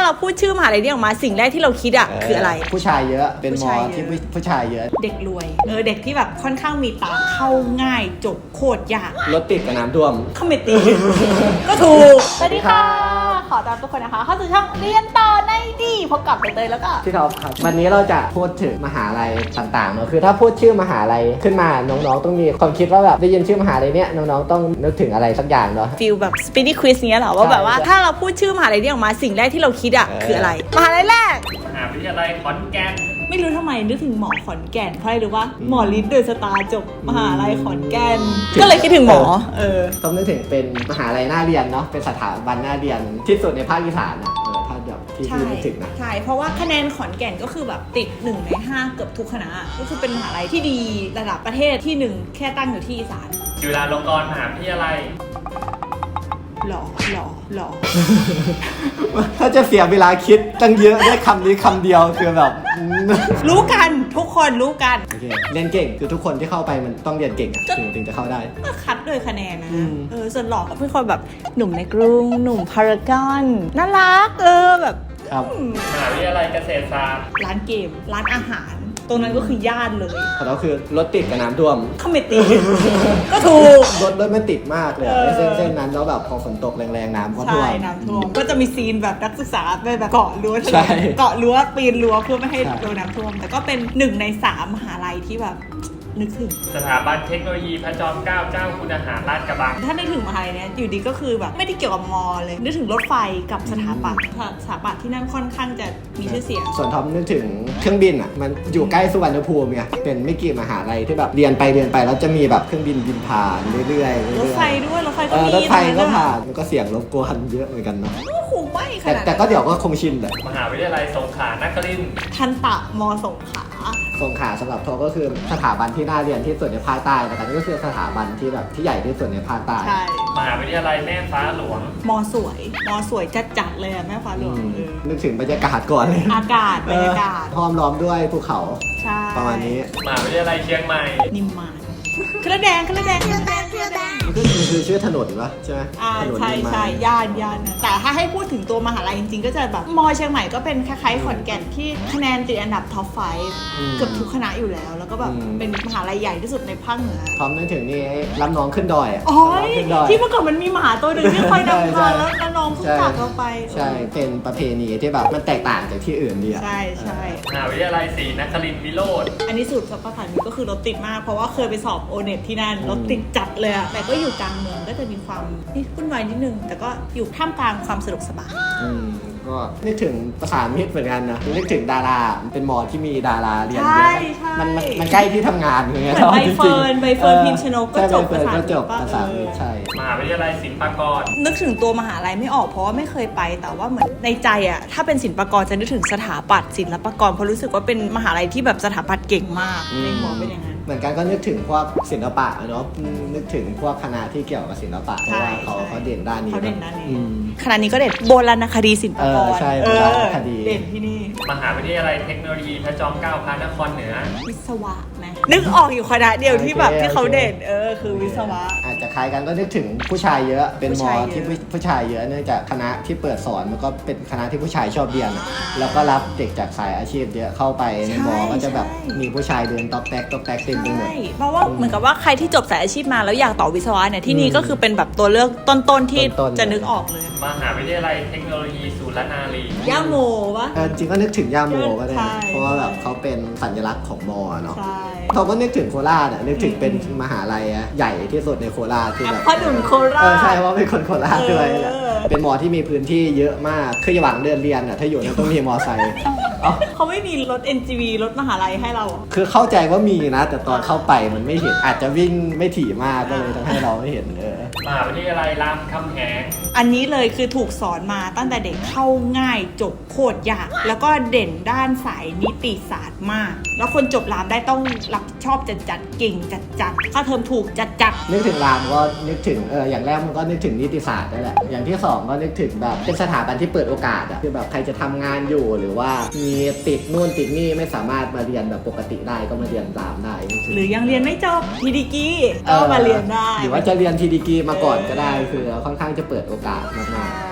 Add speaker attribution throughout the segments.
Speaker 1: เราพูดชื่อมหาลัยนี้ออกมาสิ่งแรกที่เราคิดอะคืออะไร
Speaker 2: ผู้ชายเยอะเป็นมอที่ผู้ชายเยอะ
Speaker 1: เด็กรวยเด็กที่แบบค่อนข้างมีตังค์เข้าง่ายจบโคตรยาก
Speaker 2: รถติดกับน้ำท่วม
Speaker 1: เข้าไม่ตีก็ถูกสวัสดีค่ะขอต้อนรับทุกคนนะคะเข้าสู่ช่องเรียนต่อในดีพบกับใบเตยแล้วก็
Speaker 2: ที่เขาครับวันนี้เราจะพูดถึงมหาลัยต่างๆเนอะคือถ้าพูดชื่อมหาลัยขึ้นมาน้องๆต้องมีความคิดว่าแบบได้ยินชื่อมหาลัยเนี้ยน้องๆต้องนึกถึงอะไรสักอย่างเนาะ
Speaker 1: ฟีลแบบสปีดควิสเนี้ยเหรอว่าแบบว่าถ้าเราพูดชื่อมหาลัยนี้ออกมาสิ่งแรกที่เราคิดอะคืออะไรมหาลัยแรก
Speaker 3: มหาวิทยาลัยขอนแก่น
Speaker 1: ไม่รู้ทำไมนึกถึงหมอขอนแก่นเพราะอะไรรู้ว่าหมอฤทธิ์เดอะสตาร์จบมหาลัยขอนแก่นก็เลยคิดถึงหมอ
Speaker 2: ต้องนึกถึงเป็นมหาลัยน่าเรียนเนาะเป็นสถาบันน่าเรียนที่สุดในภาคอีสานนะถ้าแบบที่นึกถึงนะ
Speaker 1: ใช่เพราะว่าคะแนนขอนแก่นก็คือแบบติด1 ใน 5เกือบทุกคณะก็คือเป็นมหาลัยที่ดีระดับประเทศที่1แค่ตั้งอยู่ที่อีสาน
Speaker 3: จุฬาลงกรณ์มหาวิทยาลัย
Speaker 1: หล่อ
Speaker 2: ถ้าจะเสียเวลาคิดตั้งเยอะได้คำนี้คำเดียวคือแบบ
Speaker 1: รู้กันทุกคนรู้กัน
Speaker 2: โอเคเรียนเก่งคือทุกคนที่เข้าไปมันต้องเรียนเก่งถึงจะเข้าได้
Speaker 1: ก็คัดโดยคะแนนนะส่วนหล่อก็เป็นคนแบบหนุ่มในกรุงหนุ่มพารากอนน่ารักแบบ
Speaker 3: มหาวิทยาลัยเกษตรศาสตร์
Speaker 1: ร้านเกมร้านอาหารตรงนั้นก็คือย่านเลย
Speaker 2: แล้วคือรถติดกับน้ำท่วม
Speaker 1: เข้าไม่ตีก็ถูก
Speaker 2: รถมันติดมากเลยเส้นนั้นแล้วแบบพอฝนตกแรงๆน้ำก็ท่วม
Speaker 1: ใช่น้ำท่วมก็จะมีซีนแบบนักศึกษาไปแบบเกาะรั้วปีนรั้วเพื่อไม่ให้โดนน้ำท่วมแต่ก็เป็น1 ใน 3มหาลัยที่แบบนึกถึง
Speaker 3: สถาบันเทคโนโลยีพระจอมเกล้าเจ้าคุณอาหารลาดกระบัง
Speaker 1: ถ้านึกถึงมหาลัยเนี้ยอยู่ดีก็คือแบบไม่ได้เกี่ยวกับมอเลยนึกถึงรถไฟกับสถาปัตย์ที่นั่นค่อนข้างจะมีชื่อเสียง
Speaker 2: ส่วนท็อปนึกถึงเครื่องบินอ่ะมันอยู่ใกล้สุวรรณภูมิไงเป็นไม่กี่มหาลัยที่แบบเรียนไปแล้วจะมีแบบเครื่องบินบินผ่านเรื่อย
Speaker 1: ๆรถไฟด้วยรถไฟก็มี
Speaker 2: รถไฟก็ผ่านมันก็เสียงรบกวนเยอะเหมือนกันเนาะ
Speaker 1: คงไม่ขนาด
Speaker 2: แต่ก็เดี๋ยวก็คงชินแหละ
Speaker 3: มหาวิทยาลัยสงขลานครินทร์
Speaker 1: ทันตะมสงขลา
Speaker 2: สำหรับท็อปก็คือสถาบันที่น่าเรียนที่สุดในภาคใต้นะครับก็คือสถาบันที่แบบที่ใหญ่ที่สุดในภาคใต้
Speaker 3: มหาวิทยาลัยแม่ฟ้าหลวง
Speaker 1: มสวยจัดเลยอะแม่ฟ้าหลวง
Speaker 2: นึกถึงบรรยากาศก่อนเลย
Speaker 1: อากาศบรรยากาศ
Speaker 2: ห้อมล้อมด้วยภูเขาประมาณนี้
Speaker 3: มหาวิทยาลัยเชียงใหม่
Speaker 1: นิมมานเครือแดง
Speaker 2: คือชื่อถนนปะใช่ไหม
Speaker 1: ใช่ย่านแต่ถ้าให้พูดถึงตัวมหาลัยจริงๆก็จะแบบมอเชียงใหม่ก็เป็นคล้ายๆขอนแก่นที่คะแนนติดอันดับท็อป5เกือบทุกคณะอยู่แล้วแล้วก็แบบเป็นมหาลัยใหญ่ที่สุดในภาคเหนือ
Speaker 2: พร้อมนึกถึงนี่รับน้องขึ้นดอย
Speaker 1: ที่เมื่อก่อนมันมีหมาตัวหนึ่งที่คอยนำทางแล้วน้องเพิ่งจากเราไป
Speaker 2: ใช่เป็นประเพณีที่แบบมันแตกต่างจากที่อื่นดี
Speaker 1: ใช่
Speaker 3: มหาวิทยาลัยศรีนครินทร์วิโรจน์
Speaker 1: อันนี้สุดสัปดาห์นี้ก็คือรถติดมากเพราะว่าเคยไปสอบโอเน็ตที่นั่นรถติดจัดเลยอะแต่ก็อยู่กลางเมืองก็จะมีความวุ่นวายนิดนึงแต่ก็อยู่ท่ามกลางความสะดวกสบาย
Speaker 2: ก็นึกถึงประสานมิตรเหมือนกันนะนึกถึงดาราเป็นมอที่มีดาราเรียนเยอะมันใกล้ที่ทำงานอย่างเงี้ย
Speaker 1: ใบเฟิร์นพิมชนกก็จบประ
Speaker 2: สานมิตรใช่
Speaker 3: มหาวิทยาลัยศิลปากร
Speaker 1: นึกถึงตัวมหาลัยไม่ออกเพราะว่าไม่เคยไปแต่ว่าเหมือนในใจอะถ้าเป็นศิลปากรจะนึกถึงสถาปัตย์ศิลปากรเพราะรู้สึกว่าเป็นมหาลัยที่แบบสถาปัตย์เก่งมากในหัวเป็นอย่างนั้น
Speaker 2: เหมือนกันก็นึกถึงพวกศิลปะเนาะนึกถึงพวกคณะที่เกี่ยวกับศิลปะเพราะว่าเขาเด่นด้านนี้
Speaker 1: คณะนี้ก็เด่นโบราณคดีศิลปากร
Speaker 2: ใช่โบราณคดี
Speaker 1: เด่นที่นี่
Speaker 3: มหาวิทยาลัยเทคโนโลยีพระจอมเกล้าพระนครเหนือ
Speaker 1: วิศวะไหมนึกออกอยู่คณะเดียวที่แบบที่เขาเด่นคือวิศวะ
Speaker 2: อาจจะคล้ายกันก็นึกถึงผู้ชายเยอะเป็นมอที่ผู้ชายเยอะเนื่องจากคณะที่เปิดสอนมันก็เป็นคณะที่ผู้ชายชอบเรียนแล้วก็รับเด็กจากสายอาชีพเยอะเข้าไปในมอก็จะแบบมีผู้ชายเดินต๊อกแต๊กเต็มไปหมด
Speaker 1: เพราะว่าเหมือนกับว่าใครที่จบสายอาชีพมาแล้วอยากต่อวิศวะเนี่ยที่นี่ก็คือเป็นแบบตัวเลือกต้นๆที่จะนึกออกเลย
Speaker 3: มหาวิทยาลัยเทคโนโลยีสุรนารี
Speaker 1: ย่าโมวะ
Speaker 2: จริงก็นึกถึงย่าโมก็ได้เพราะว่าแบบเขาเป็นสัญลักษณ์ของมอเนาะเขาก็นึกถึงโคราชนึกถึงเป็นมหาลัยใหญ่ที่สุดในโคราชที่แบบ
Speaker 1: พ่อหนุ่มโคราช
Speaker 2: ใช่เพราะเป็นคนโคราชด้วยแหละเป็นมอที่มีพื้นที่เยอะมากคือหวังเดินเรียนถ้าอยู่เนี่ยต้องมีมอไซค์
Speaker 1: เขาไม่มีรถ NGV รถมหาลัยให้เรา
Speaker 2: คือเข้าใจว่ามีนะแต่ตอนเข้าไปมันไม่เห็นอาจจะวิ่งไม่ถี่มากก็เลยทำให้เราไม่เห็น
Speaker 3: มหาวิทยาลัยรามคำแหง
Speaker 1: อันนี้เลยคือถูกสอนมาตั้งแต่เด็กเข้าง่ายจบโคตรยากแล้วก็เด่นด้านสายนิติศาสตร์มากแล้วคนจบรามได้ต้องรับชอบจัดเก่งจัดค่าเทอมถูกจัด
Speaker 2: นึกถึงรามก็นึกถึงอย่างแรกมันก็นึกถึงนิติศาสตร์ได้แหละอย่างที่สองก็นึกถึงแบบเป็นสถาบันที่เปิดโอกาสคือแบบใครจะทำงานอยู่หรือว่ามีติดนู่นติดนี่ไม่สามารถมาเรียนแบบปกติได้ก็มาเรียนรามได้
Speaker 1: หรือยังเรียนไม่จบทีดีกีก็มาเรียนได้
Speaker 2: หรือว่าจะเรียนทีดีกีมาก่อนก็ได้คือค่อนข้างจะเปิดโอกาสมาก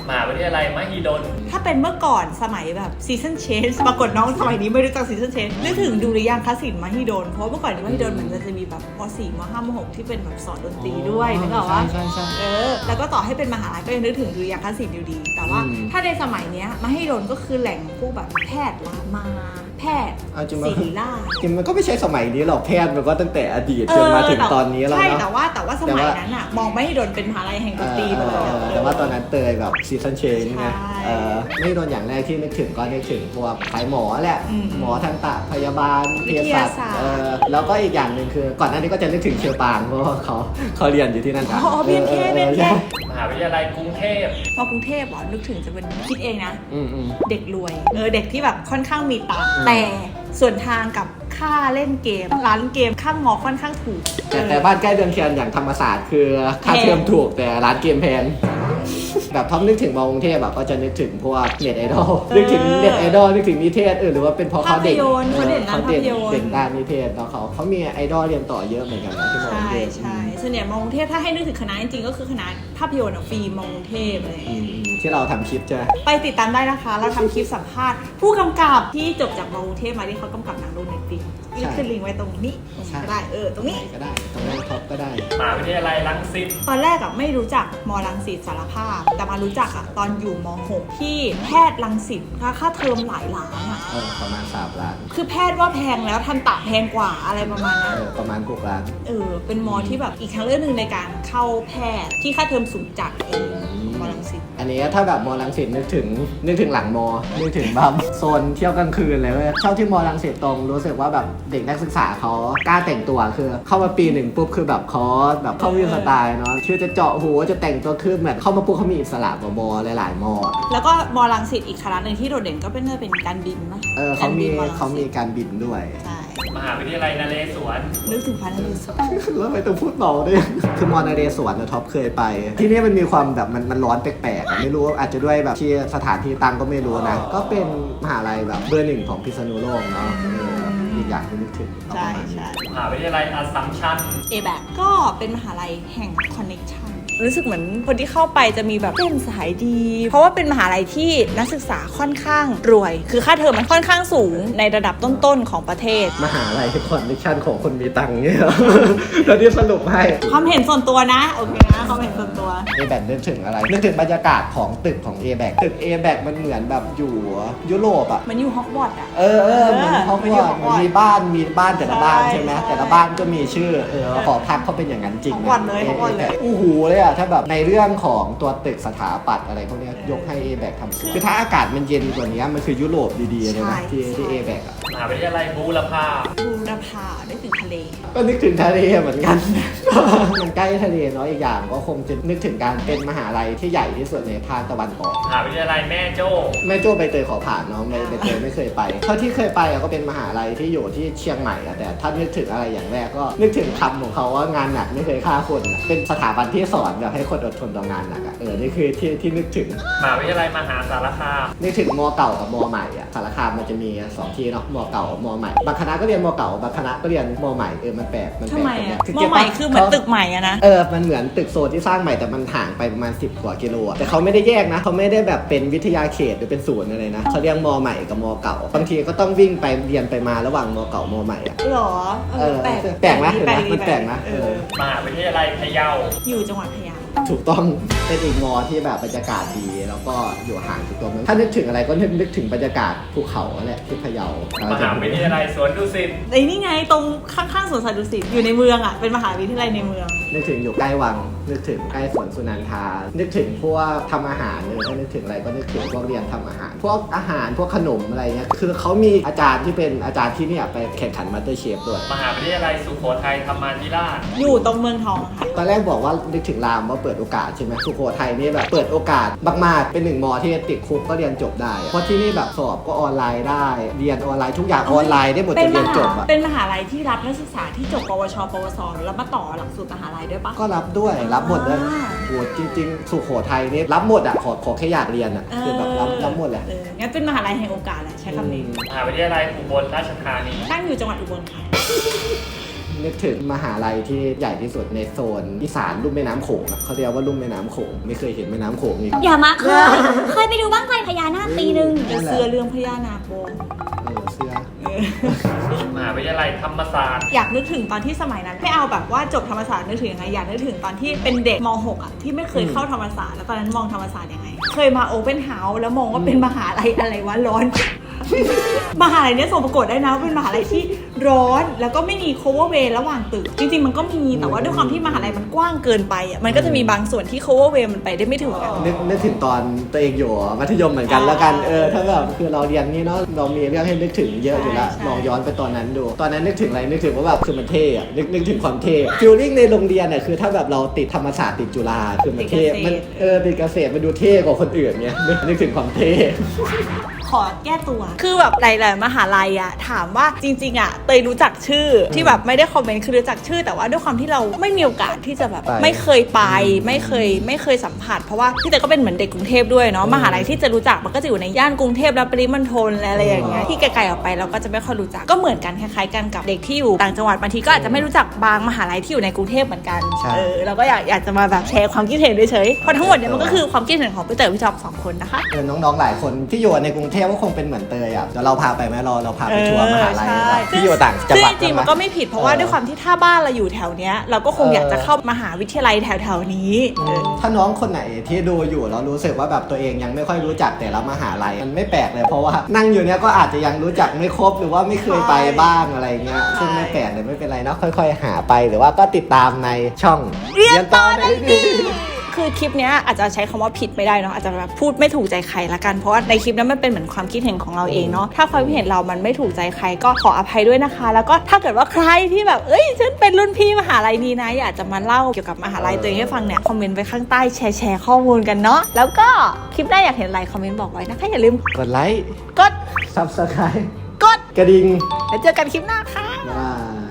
Speaker 3: มหาวิทยาลัยมหิดล
Speaker 1: ถ้าเป็นเมื่อก่อนสมัยแบบซีซันเชนปรากฏน้องสมัยนี้ไม่รู้จักซีซันเชนนึกถึงดุริยางคศิลป์มหิดลเพราะเมื่อก่อนมหิดลเหมือนจะมีแบบม.4 ม.5 ม.6 ที่เป็นแบบสอนดนตรีด้วยนึกออกว่า
Speaker 2: ใช่ใช่
Speaker 1: แล้วก็ต่อให้เป็นมหาลัยก็ยังนึกถึงดุริยางคศิลป์อยู่ดี แต่ว่าถ้าในสมัยเนี้ยมหิดลก็คือแหล่งพวกแบบแพทย์รามาแพทย์ศิริราช
Speaker 2: จริงมันก็ไม่ใช่สมัยนี้หรอกแพทย์มันก็ตั้งแต่อดีตจนมาถึงตอนนี้แล้ว
Speaker 1: ใช่
Speaker 2: เนาะ
Speaker 1: แต่ว่าสมัยนั้นอะมองมหิดลเป็นมหาลัยแห่งดนตรีไปเลย
Speaker 2: แต่ว่าตอนนั้นเตยแบบซีซันเชนไง
Speaker 1: ใช่
Speaker 2: ไม่โดนอย่างแรกที่นึกถึงก็นึกถึงพวกสายหมอแหละ หมอทันตะพยาบาลเภสัชแล้วก็อีกอย่างหนึ่งคือก่อนหน้านี้ก็จะนึกถึงเชอปางเพราะว่าเขาเรียนอยู่ที่นั่นกัน
Speaker 1: อ๋อเบียนเค
Speaker 3: มหาวิทยาลัยกรุงเทพ
Speaker 1: พอกรุงเทพเหรอนึกถึงจะเป็นคิดเองนะ
Speaker 2: อืม
Speaker 1: เด็กรวยเด็กที่แบบค่อนข้างมีตังค์แต่ส่วนทางกับค่าเล่นเกมร้านเกมข้างมอค่อนข้างถูก
Speaker 2: แต่บ้านใกล้เดือนเทียนอย่างธรรมศาสตร์คือค่าเทอมถูกแต่ร้านเกมแพงแบบท็อปนึกถึงมอกรุงเทพแบบก็จะนึกถึงพวกเน็ตไอดอลนึกถึงเน็ตไอดอลนึกถึงนิเทศหรือว่าเป็นเพราะเขาเด็ก
Speaker 1: เขาเด่นด้านภาพยนตร์
Speaker 2: เด่นด้านนิเทศเนาะเขามีไอดอลเรียนต่อเยอะเหมือนกันนะที่มอกรุงเทพ
Speaker 1: ใช่ส่วนใหญ่มอกรุงเทพถ้าให้นึกถึงคณะจริงๆก็คือคณะภาพยนตร์ฟิล์มมอกรุงเทพอะไรอย่างเงี้ย
Speaker 2: ที่เราทำคลิปใช่ไหม
Speaker 1: ไปติดตามได้นะคะ เราทำคลิปสัมภาษณ์ผู้กำกับที่จบจากมอกรุงเทพมาที่เขากำกับหนังโรแมนติกนี่ขึ้นลิงก์ไว้ตรงนี้ก็ได้ตรงนี้
Speaker 2: ก็ได้ตรงนั้นท็อปก็ได้
Speaker 3: มหาวิทยาลัยรังสิต
Speaker 1: ตอนแรกอะไม่รู้จักมรังสิตสารภาพ แต่มารู้จักอะตอนอยู่ม.6 ที่แพทย์รังสิตค่าเทอมหลายล้านอะ
Speaker 2: ประมาณ3 ล้าน
Speaker 1: คือแพทย์ว่าแพงแล้วทันตะแพงกว่าอะไรประมาณนั้น
Speaker 2: ประมาณ6 ล้าน
Speaker 1: เป็นมอที่แบบอีกทางเลือกหนึ่งในการเข้าแพทย์ที่ค่าเทอมสูงจัดมรังสิต
Speaker 2: อันนี้ถ้าแบบมอรังสิตนึกถึงหลังมอนึกถึงแบบโซนเที่ยวกลางคืนเลยเว้ยชอบที่มอรังสิตตรงรู้สึกว่าแบบเด็กนักศึกษาเขากล้าแต่งตัวคือเข้ามาปี 1ปุ๊บคือแบบเขาแบบเข้ามีสไตล์เนาะชื่อจะเจาะหูจะแต่งตัวคือเหมือนเข้ามาปุ๊บเขามีอิสระกว่ามอหลายๆมอ
Speaker 1: แล้วก็มรังสิตอีกคณะหนึ่งที่โดดเด่นก็เป็นการบินนะ
Speaker 2: เขามีการบินด้วย
Speaker 1: ใช่
Speaker 3: มหาวิทยาลัยนเรศวร
Speaker 1: นึกถึงพระนเรศวร
Speaker 2: แล้วไปต้องพูดเบาด้วยคือมอนเรศวรนะท็อปเคยไป ที่นี่มันมีความแบบมันร้อนแปลกๆไม่รู้อาจจะด้วยแบบที่สถานที่ตั้งก็ไม่รู้นะ ก็เป็นมหาลัยแบบเบอร์ 1ของพิษณุโลกเนาะอีกอย่างที่นึกถึง
Speaker 1: ใช่
Speaker 3: มหาวิทยาลัยอัสสัมชัญ
Speaker 1: ABAC ก็เป็นมหาลัยแห่ง Connection รู้สึกเหมือนคนที่เข้าไปจะมีแบบเป็นสายดี เพราะว่าเป็นมหาลัยที่นักศึกษาค่อนข้างรวย คือค่าเทอมมันค่อนข้างสูงในระดับต้นๆของประเทศ
Speaker 2: มหาลัยคอนเนคชั่นของคนมีตังค์เนี่ยแล้วที่สรุปให้
Speaker 1: ความเห็นส่วนตัวนะโอเคนะความเห็นส่วนตัว
Speaker 2: A-BAC นึกถึงอะไรนึกถึงบรรยากาศของตึกของ A-BAC ตึก A-BAC มันเหมือนแบบอยู่ยุโรปอ่ะ
Speaker 1: มันอยู่ฮอกวอตส์อ่ะ
Speaker 2: เหมือนฮอกวอตส์มีบ้านแต่ละบ้านใช่ไหมแต่ละบ้านก็มีชื่อขอพักเขาเป็นอย่างนั้นจริง
Speaker 1: ฮอกวอตส์เลยฮอกวอตส์เลย
Speaker 2: อู้หูเลยอ่ะถ้าแบบในเรื่องของตัวตึกสถาปัตย์อะไรพวกเนี้ยยกให้ A-BAC ทำสวยคือถ้าอากาศมันเย็นกว่านี้มันคือยุโรปดีๆเลยนะที่ A-BAC อ่ะ
Speaker 3: มหาวิทยาลัยบูรพา
Speaker 1: บูรพาได้ถึงทะเล
Speaker 2: ก็นึกถึงทะเลเหมือนกัน มันใกล้ทะเลเนาะอีกอย่างก็คงจะนึกถึงการเป็นมหาลัยที่ใหญ่ที่สุดในภาคตะวันออก
Speaker 3: มหาวิทยาลัยแม่โจ้
Speaker 2: แม่โจ้ใบเตยขอผ่านเนาะใบเตยไม่เคยไปเท่าที่เคยไปก็เป็นมหาลัยที่อยู่ที่เชียงใหม่อะแต่ถ้านึกถึงอะไรอย่างแรกก็นึกถึงคำของเขาว่างานหนักไม่เคยฆ่าคนอะเป็นสถาบันที่สอนแบบให้คนอดทนต่องานหนักอะนี่คือที่นึกถึง
Speaker 3: มหาวิทยาลัยมหาสารคาม
Speaker 2: นึกถึงมเก่ากับมใหม่อะสารคามมันจะมี2ที่เนาะมเก่ามใหม่บางคณะก็เรียนมเก่าบางคณะก็เรียนมใหม่มันแปลกตรง
Speaker 1: ทำไม
Speaker 2: เนี้
Speaker 1: อ่ะ
Speaker 2: ย
Speaker 1: มอใหม่คือเหมือนตึกใหม่อะนะ
Speaker 2: มันเหมือนตึกโซนที่สร้างใหม่แต่มันห่างไปประมาณ10 กว่ากิโลอะแต่เขาไม่ได้แยกนะเขาไม่ได้แบบเป็นวิทยาเขตหรือเป็นศูนย์อะไรนะเขาเรียกมใหม่กับมเก่าบางทีก็ต้องวิ่งไปเรียนไปมาระหว่างมเก่ามใหม่อะ
Speaker 1: หรอแปลก
Speaker 2: ไหมมันแปลกนะ
Speaker 3: มหาวิทยาลัยพะเยา
Speaker 1: อยู่จังหวัดพะเยา
Speaker 2: ถูกต้องเป็นอีกมอที่แบบบรรยากาศดีแล้วก็อยู่ห่างจากตัวเมืองถ้านึกถึงอะไรก็นึกถึงบรรยากาศภูเขาแหละที่พะเยาม
Speaker 3: หาวิทยาลัยสวนดุสิต
Speaker 1: ไอ้นี่ไงตรงข้างๆสวนสัตว์ดุสิตอยู่ในเมืองอ่ะเป็นมหาวิทยาลัยในเมือง
Speaker 2: นึกถึงอยู่ใกล้วังนึกถึงใกล้สวนสุนันทานึกถึงพวกทำอาหารถ้านึกถึงอะไรก็นึกถึงพวกเรียนทำอาหารพวกอาหารพวกขนมอะไรเงี้ยคือเขามีอาจารย์ที่เป็นอาจารย์ที่เนี่ยไปแข่งขันมาสเตอร์เชฟด้วย
Speaker 3: มหาวิทยาลัยสุโขทัยธรรมาธิราช
Speaker 1: อยู่ตรงเมืองทองค่ะ
Speaker 2: ตอนแรกบอกว่านึกถึงรามว่าเปิดโอกาสใช่ไหมสุโขทัยนี่แบบเปิดโอกาสมากๆเป็น1 มอที่ติดคุกก็เรียนจบได้เพราะที่นี่แบบสอบก็ออนไลน์ได้เรียนออนไลน์ทุกอย่างออนไลน์ได้หมดจนเรียนจบอะ
Speaker 1: เป็นมหาลัยที่รับนักศึกษาที่จบปวช ปวส แล้วมาต่อหลักสูตรมหาลัยด้วยปะ
Speaker 2: ก็รับด้วยรับหมดเลย โหจริงๆสุโขทัยนี่รับหมดอ่ะขอแค่อยากเรียนอ่ะคือแบบรับหมดแหละ
Speaker 1: งั้นเป็นมหาลัยแห่งโอกาสแหละใช้คำนี้
Speaker 3: มหาวิทยาลัยอุบลราชธานี
Speaker 1: ตั้งอยู่จังหวัดอุบลค่ะ
Speaker 2: นึกถึงมหาลัยที่ใหญ่ที่สุดในโซนอีสานลุ่มแม่น้ำโขงอะเขาเรียกว่าลุ่มแม่น้ำโขงไม่เคยเห็นแม่น้ำโขงอีก
Speaker 4: อย่ามาเคยไปดูบ้างไฟพญานาคปีนึง
Speaker 1: จะเสื้อเรื่องพญานาคโบ
Speaker 2: เสื้อ
Speaker 3: มหาวิทยาลัยธรรมศาสตร์
Speaker 1: อยากนึกถึงตอนที่สมัยนั้นไม่เอาแบบว่าจบธรรมศาสตร์นึกถึงยังไงอยากนึกถึงตอนที่เป็นเด็กม .6 อ่ะที่ไม่เคยเข้าธรรมศาสตร์แล้วตอนนั้นมองธรรมศาสตร์ยังไง เคยมาโอเพ่นเฮาส์แล้วมองว่าเป็นมหาลัยอะไรวะร้อน มหาลัยเนี้ยส่งประกวดได้นะว่าเป็นมหาลัยที่ร้อนแล้วก็ไม่มี cover way ระหว่างตึกจริงๆมันก็มีแต่ว่าด้วยความที่มหาลัยมันกว้างเกินไปอ่ะมันก็จะมีบางส่วนที่ cover way มันไปได้ไม่ถึงกัน
Speaker 2: นึกถึงตอนตัวเองอยู่มัธยมเหมือนกันแล้วกันถ้าแบบคือเราเรียนนี่เนาะเรามีเรื่องให้นึกถึงเยอะอยู่ละ
Speaker 1: ใช่
Speaker 2: ลองย้อนไปตอนนั้นดูตอนนั้นนึกถึงอะไรนึกถึงว่าแบบคือมันเท่อะนึกถึงความเท่ฟิลลิ่งในโรงเรียนเนี่ยคือถ้าแบบเราติดธรรมศาสตร์ติดจุฬาคือมันเท่มันติดเกษตรมันดูเท่กว่าคนอื่นเนี่ยนึกถึงความเท่
Speaker 1: ขอแก้ตัวคือแบบหลายๆมหาลัยอะถามว่าจริงๆอะเตยรู้จักชื่อที่แบบไม่ได้คอมเมนต์คือรู้จักชื่อแต่ว่าด้วยความที่เราไม่มีโอกาสที่จะแบบไม่เคยไปไม่เคยสัมผัสเพราะว่าพี่เตยก็เป็นเหมือนเด็กกรุงเทพด้วยเนาะมหาลัยที่จะรู้จักมันก็จะอยู่ในย่านกรุงเทพและปริมณฑลอะไรอย่างเงี้ยที่ไกลๆออกไปเราก็จะไม่ค่อยรู้จักก็เหมือนกันคล้ายๆกันกับเด็กที่อยู่ต่างจังหวัดบางทีก็อาจจะไม่รู้จักบางมหาลัยที่อยู่ในกรุงเทพเหมือนกันเราก็อยากจะมาแบบแชร์ความคิดเห็นเฉยๆเพราะทั้งหมดเนี่ยมันก็คือความคิดเห็นของพี่เตยพี่จอมสองคนนะคะ
Speaker 2: น้องๆหลายคนที่อยู่ในกรุงเทพก็คงเป็นเหมือนเตยอ่ะเดี๋ยวเราพาไปไหมเราพาไปทัวร์มหาลัยที่อยู่ต่างจังหวัด
Speaker 1: จริงๆมันก็ไม่ผิดเพราะว่าด้วยความที่ถ้าบ้านเราอยู่แถวเนี้ยเราก็คงอยากจะเข้ามหาวิทยาลัยแถวๆนี้
Speaker 2: ถ้าน้องคนไหนที่ดูอยู่แล้วรู้สึกว่าแบบตัวเองยังไม่ค่อยรู้จักแต่ละมหาลัยมันไม่แปลกเลยเพราะว่านั่งอยู่เนี้ยก็อาจจะยังรู้จักไม่ครบหรือว่าไม่เคยไปบ้างอะไรเงี้ยซึ่งไม่แปลกเลยไม่เป็นไรเนาะค่อยๆหาไปหรือว่าก็ติดตามในช่องเรียนต่อได้ดี
Speaker 1: คือคลิปเนี้ยอาจจะใช้คำว่าผิดไม่ได้เนาะอาจจะแบบพูดไม่ถูกใจใครละกันเพราะว่าในคลิปนั้นมันเป็นเหมือนความคิดเห็นของเราเองเนาะถ้าความคิดเห็นเรามันไม่ถูกใจใครก็ขออภัยด้วยนะคะ แล้วก็ถ้าเกิดว่าใครที่แบบฉันเป็นรุ่นพี่มหาลัยนี้นะอยากจะมาเล่าเกี่ยวกับมหาลัยตัวเองให้ฟังเนี่ยคอมเมนต์ไว้ข้างใต้แชร์ข้อมูลกันเนาะแล้วก็คลิปหน้าอยากเห็นอะไรคอมเมนต์บอกไว้นะคะอย่าลืม
Speaker 2: กดไลค์
Speaker 1: กด
Speaker 2: Subscribe
Speaker 1: กด
Speaker 2: กระดิ่ง
Speaker 1: แล้วเจอกันคลิปหน้าค่ะ
Speaker 2: บ๊ายบาย